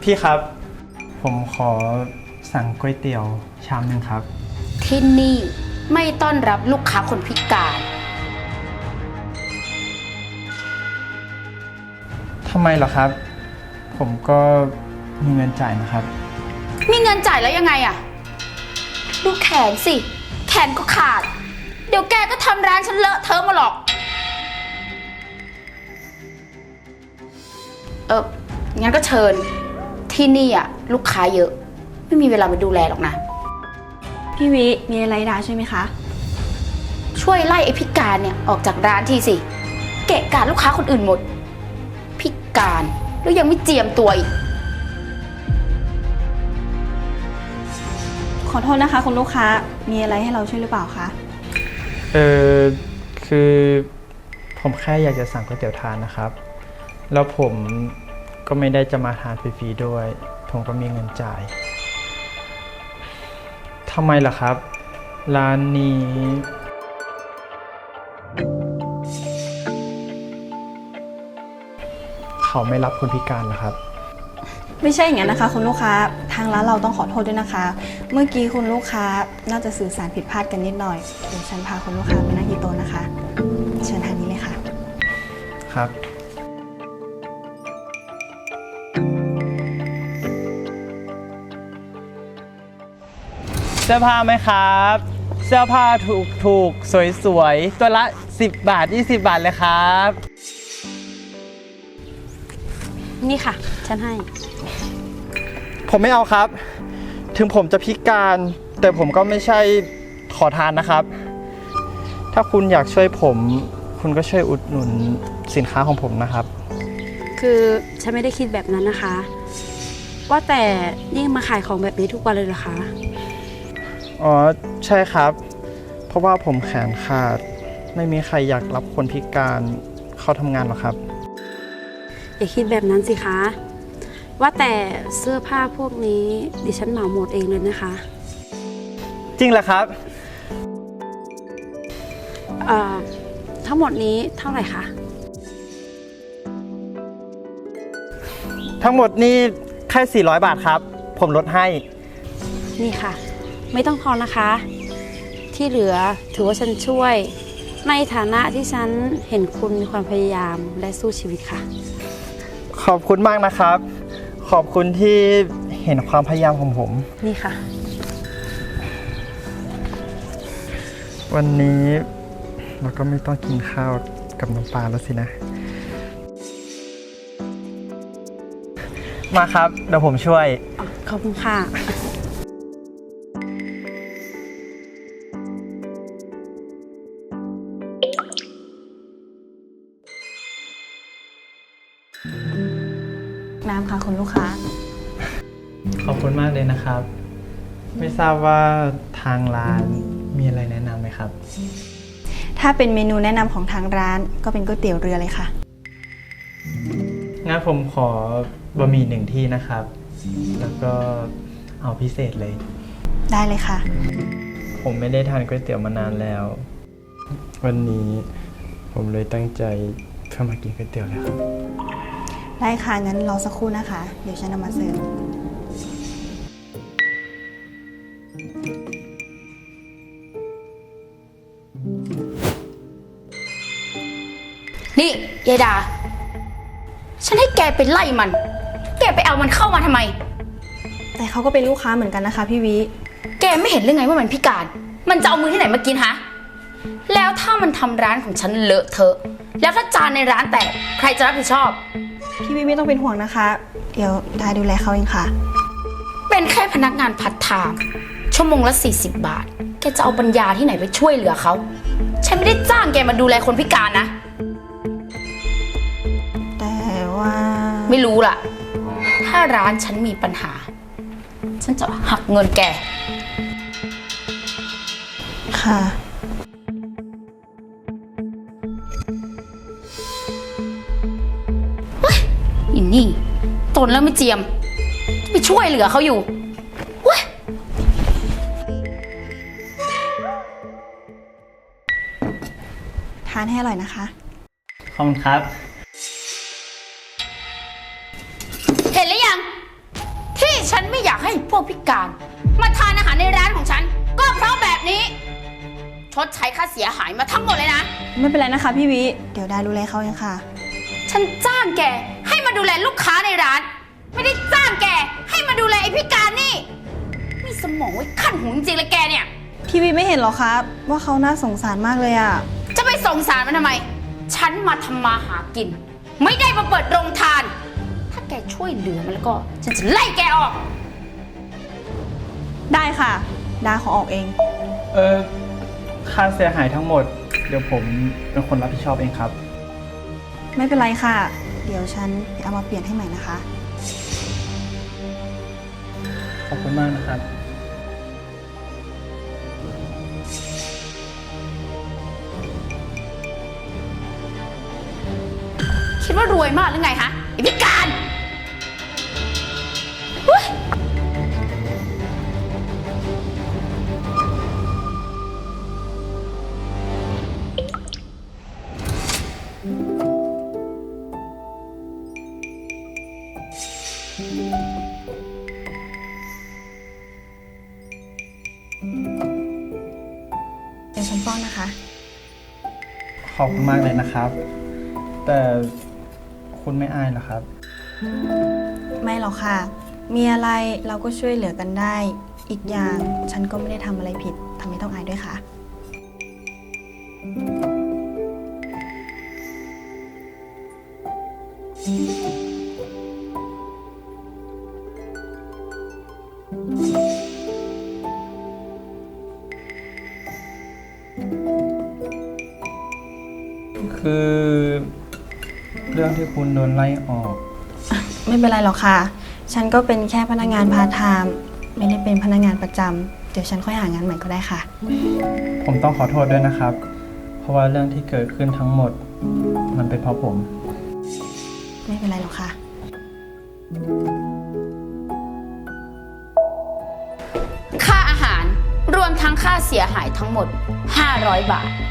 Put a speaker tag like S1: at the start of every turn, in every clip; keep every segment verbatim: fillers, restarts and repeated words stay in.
S1: พี่ครับ ผมขอสั่งก๋วยเตี๋ยวชามหนึ่งครับ
S2: ที่นี่ไม่ต้อนรับลูกค้าคนพิการ
S1: ทำไมเหรอครับผมก็มีเงินจ่ายนะครับ
S2: มีเงินจ่ายแล้วยังไงอะดูแขนสิแขนก็ขาดเดี๋ยวแกก็ทำร้านฉันเลอะเทอะมาหรอกเอองั้นก็เชิญที่นี่อะลูกค้าเยอะไม่มีเวลามาดูแลหรอกนะ
S3: พี่วิมีอะไรด่าใช่ไหมคะ
S2: ช่วยไล่ไอ้พิการเนี่ยออกจากร้านทีสิเกะกะลูกค้าคนอื่นหมดพิการแล้วยังไม่เจียมตัวอีก
S3: ขอโทษนะคะคุณลูกค้ามีอะไรให้เราช่วยหรือเปล่าคะ
S1: เออคือผมแค่อยากจะสั่งก๋วยเตี๋ยวทานนะครับแล้วผมก็ไม่ได้จะมาทานฟรีๆด้วยผมก็มีเงินจ่ายทำไมล่ะครับร้านนี้เขาไม่รับคนพิการเหรอครับ
S3: ไม่ใช่อย่างนั้นนะคะคุณลูกค้าทางร้านเราต้องขอโทษด้วยนะคะเมื่อกี้คุณลูกค้าน่าจะสื่อสารผิดพลาดกันนิดหน่อยเดี๋ยวฉันพาคุณลูกค้าไปนั่งที่โต๊ะนะคะเชิญทางนี้เลยค่ะ
S1: ครับเสื้อผ้าไหมครับเสื้อผ้าถูกถูกสวยสวยตัวละสิบบาทยี่สิบบาทเลยครับ
S3: นี่ค่ะฉันให้
S1: ผมไม่เอาครับถึงผมจะพิการแต่ผมก็ไม่ใช่ขอทานนะครับถ้าคุณอยากช่วยผมคุณก็ช่วยอุดหนุนสินค้าของผมนะครับ
S4: คือฉันไม่ได้คิดแบบนั้นนะคะว่าแต่นี่มาขายของแบบนี้ทุกวันเลยเหรอคะ
S1: อ๋อใช่ครับเพราะว่าผมแขนขาดไม่มีใครอยากรับคนพิการเข้าทำงานหรอกครับ
S4: อย่าคิดแบบนั้นสิคะว่าแต่เสื้อผ้าพวกนี้ดิฉันเหมาหมดเองเลยนะคะ
S1: จริงเหรอครับ
S4: เอ่อทั้งหมดนี้เท่าไหร่คะ
S1: ทั้งหมดนี่แค่สี่ร้อยบาทครับผมลดให้
S4: นี่ค่ะไม่ต้องทอนนะคะที่เหลือถือว่าฉันช่วยในฐานะที่ฉันเห็นคุณมีความพยายามและสู้ชีวิตค่ะ
S1: ขอบคุณมากนะครับขอบคุณที่เห็นความพยายามของผม
S4: นี่ค่ะ
S1: วันนี้เราก็ไม่ต้องกินข้าวกับน้ำปลาแล้วสินะมาครับเดี๋ยวผมช่วย
S4: ขอบคุณค่ะ
S3: น้ำค่ะคุณลูกค้า
S1: ขอบคุณมากเลยนะครับไม่ทราบว่าทางร้านมีอะไรแนะนำไหมครับ
S3: ถ้าเป็นเมนูแนะนำของทางร้านก็เป็นก๋วยเตี๋ยวเรือเลยค่ะ
S1: งั้นผมขอบะหมี่หนึ่งที่นะครับแล้วก็เอาพิเศษเลย
S3: ได้เลยค่ะ
S1: ผมไม่ได้ทานก๋วยเตี๋ยวมานานแล้ววันนี้ผมเลยตั้งใจเพื่อมากินก๋วยเตี๋ยวเลยครับ
S3: ได้ค่ะงั้นรอสักครู่นะคะเดี๋ยวฉันนำมาเสิร์ฟ
S2: นี่ยายดาฉันให้แกไปไล่มันแกไปเอามันเข้ามาทำไม
S3: แต่เขาก็เป็นลูกค้าเหมือนกันนะคะพี่วิ
S2: แกไม่เห็นหรือไงว่ามันพิการมันจะเอามือที่ไหนมากินฮะแล้วถ้ามันทำร้านของฉันเลอะเทอะแล้วถ้าจานในร้านแตกใครจะรับผิดชอบ
S3: พี่วิไม่ต้องเป็นห่วงนะคะเดี๋ยวดาดูแลเขาเองค่ะ
S2: เป็นแค่พนักงานพัฒไทม์ชั่วโมงละสี่สิบบาทแกจะเอาปัญญาที่ไหนไปช่วยเหลือเขาฉันไม่ได้จ้างแกมาดูแลคนพิการนะ
S3: แต่ว่า
S2: ไม่รู้ล่ะถ้าร้านฉันมีปัญหาฉันจะหักเงินแก
S3: ค่ะ
S2: อินนี่ตนแล้วไม่เจียมไปช่วยเหลือเขาอยู่
S3: ทานให้อร่อยนะคะ
S1: ขอบคุณครับ
S2: เห็นหรือยังให้พวกพิการ มาทานอาหารในร้านของฉัน ก็เพราะแบบนี้ ชดใช้ค่าเสียหายมาทั้งหมดเลยนะ
S3: ไม่เป็นไรนะคะพี่วิ เดี๋ยวดาดูแลเขาเองค่ะ
S2: ฉันจ้างแกให้มาดูแลลูกค้าในร้าน ไม่ได้จ้างแกให้มาดูแลไอ้พิการนี่ มีสมองไว้ขั้นหูจริงๆเลยแกเนี่ย
S3: พี่วิไม่เห็นหรอคะว่าเขาน่าสงสารมากเลยอะ
S2: จะไปสงสารมันทำไม ฉันมาทำมาหากิน ไม่ได้มาเปิดโรงทาน ถ้าแกช่วยเหลือมันแล้วก็ ฉันจะไล่แกออก
S3: ได้ค่ะ ดาขอออกเอง
S1: เออค่าเสียหายทั้งหมด เดี๋ยวผมเป็นคนรับผิดชอบเองครับ
S3: ไม่เป็นไรค่ะ เดี๋ยวฉันไปเอามาเปลี่ยนให้ใหม่นะคะ
S1: ขอบคุณมากนะครับ
S2: คิดว่ารวยมากหรือไงฮะไอ้พิการเฮ้ย
S3: เดี๋ยวฉันป้อนนะคะ
S1: ขอบคุณมากเลยนะครับ แต่คุณไม่อายเหรอครับ
S3: ไม่หรอกค่ะ มีอะไรเราก็ช่วยเหลือกันได้ อีกอย่างฉันก็ไม่ได้ทำอะไรผิดทำไมต้องอายด้วยคะ
S1: คือเรื่องที่คุณโดนไล่ออก
S3: ไม่เป็นไรหรอกค่ะ ฉันก็เป็นแค่พนักงานพาร์ทไทม์ไม่ได้เป็นพนักงานประจำเดี๋ยวฉันค่อยหางานใหม่ก็ได้ค่ะ
S1: ผมต้องขอโทษด้วยนะครับ เพราะว่าเรื่องที่เกิดขึ้นทั้งหมด มันเป็นเพราะผม
S3: ไม่เป็นไรหรอกค่ะ
S2: ค่าอาหารรวมทั้งค่าเสียหายทั้งหมด ห้าร้อย บาท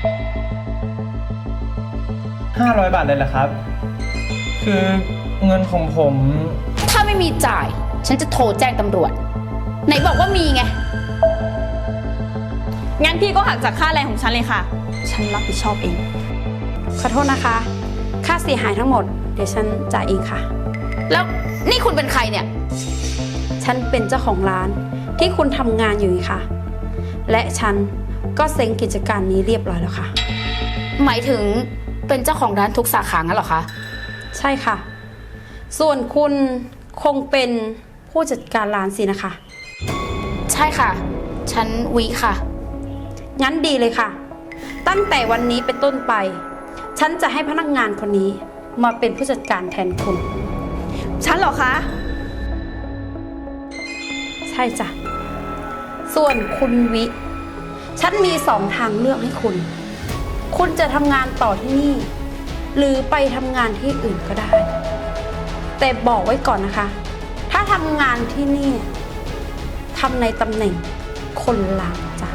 S1: ห้าร้อยบาทเลยเหรอครับ คือเงินของผม
S2: ถ้าไม่มีจ่าย ฉันจะโทรแจ้งตำรวจ ไหนบอกว่ามีไง
S3: งั้นพี่ก็หักจากค่าแรงของฉันเลยค่ะ ฉันรับผิดชอบเอง
S4: ขอโทษนะคะ ค่าเสียหายทั้งหมด เดี๋ยวฉันจ่ายเองค่ะ
S2: แล้วนี่คุณเป็นใครเนี่ย
S4: ฉันเป็นเจ้าของร้านที่คุณทำงานอยู่นี่ค่ะ และฉันก็เซ็งกิจการนี้เรียบร้อยแล้วค่ะ
S2: หมายถึงเป็นเจ้าของร้านทุกสาขางั้นเหรอคะ
S4: ใช่ค่ะ ส่วนคุณคงเป็นผู้จัดการร้านสินะคะ
S2: ใช่ค่ะ ฉันวิค่ะ
S4: งั้นดีเลยค่ะ ตั้งแต่วันนี้เป็นต้นไป ฉันจะให้พนักงานคนนี้มาเป็นผู้จัดการแทนคุณ
S3: ฉันเหรอคะ
S4: ใช่จ้ะ ส่วนคุณวิ ฉันมีสองทางเลือกให้คุณ คุณจะทำงานต่อที่นี่ หรือไปทำงานที่อื่นก็ได้ แต่บอกไว้ก่อนนะคะ ถ้าทำงานที่นี่ทำในตำแหน่งคนล้างจาน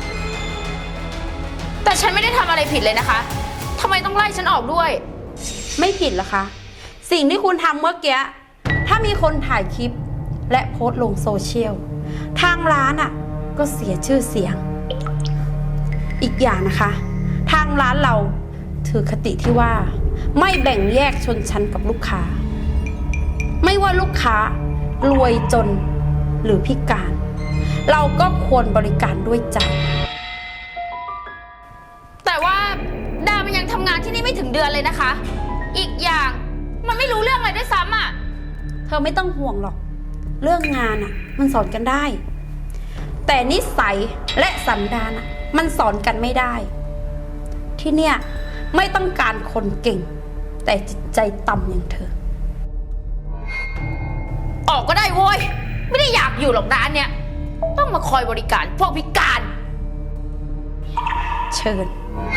S2: แต่ฉันไม่ได้ทำอะไรผิดเลยนะคะทำไมต้องไล่ฉันออกด้วย
S4: ไม่ผิดเหรอคะ สิ่งที่คุณทำเมื่อกี้ ถ้ามีคนถ่ายคลิปและโพสต์ลงโซเชียล ทางร้านอ่ะก็เสียชื่อเสียง อีกอย่างนะคะ ทางร้านเราถือคติที่ว่า ไม่แบ่งแยกชนชั้นกับลูกค้า ไม่ว่าลูกค้ารวยจนหรือพิการ เราก็ควรบริการด้วยใจ
S2: แต่ว่าดามันยังทำงานที่นี่ไม่ถึงเดือนเลยนะคะ อีกอย่างมันไม่รู้เรื่องอะไรด้วยซ้ำอ่ะ
S4: เธอไม่ต้องห่วงหรอก เรื่องงานอ่ะ มันสอนกันได้ แต่นิสัยและสันดานอ่ะ มันสอนกันไม่ได้ ที่เนี่ยไม่ต้องการคนเก่ง แต่จิตใจต่ำอย่างเธอ
S2: ออกก็ได้โว้ย ไม่ได้อยากอยู่หรอกร้านเนี้ยต้องมาคอยบริการพวกพิการ
S4: เชิญ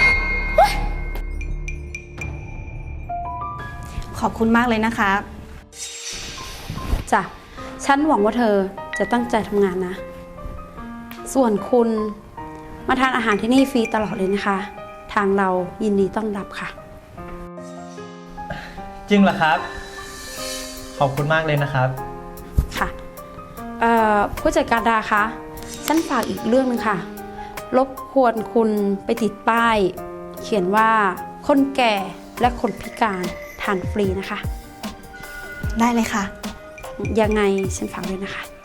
S3: ขอบคุณมากเลยนะคะ
S4: จ้ะ ฉันหวังว่าเธอจะตั้งใจทำงานนะ ส่วนคุณมาทานอาหารที่นี่ฟรีตลอดเลยนะคะ ทางเรายินดีต้อนรับค่ะ
S1: จริงเหรอครับ ขอบคุณมากเลยนะครับ
S4: ค่ะเอ่อผู้จัดการดาคะฉันฝากอีกเรื่องหนึงค่ะ รบกวนคุณไปติดป้าย เขียนว่าคนแก่และคนพิการทานฟรีนะคะ
S3: ได้เลยค่ะ
S4: ยังไงฉันฝากด้วยนะคะ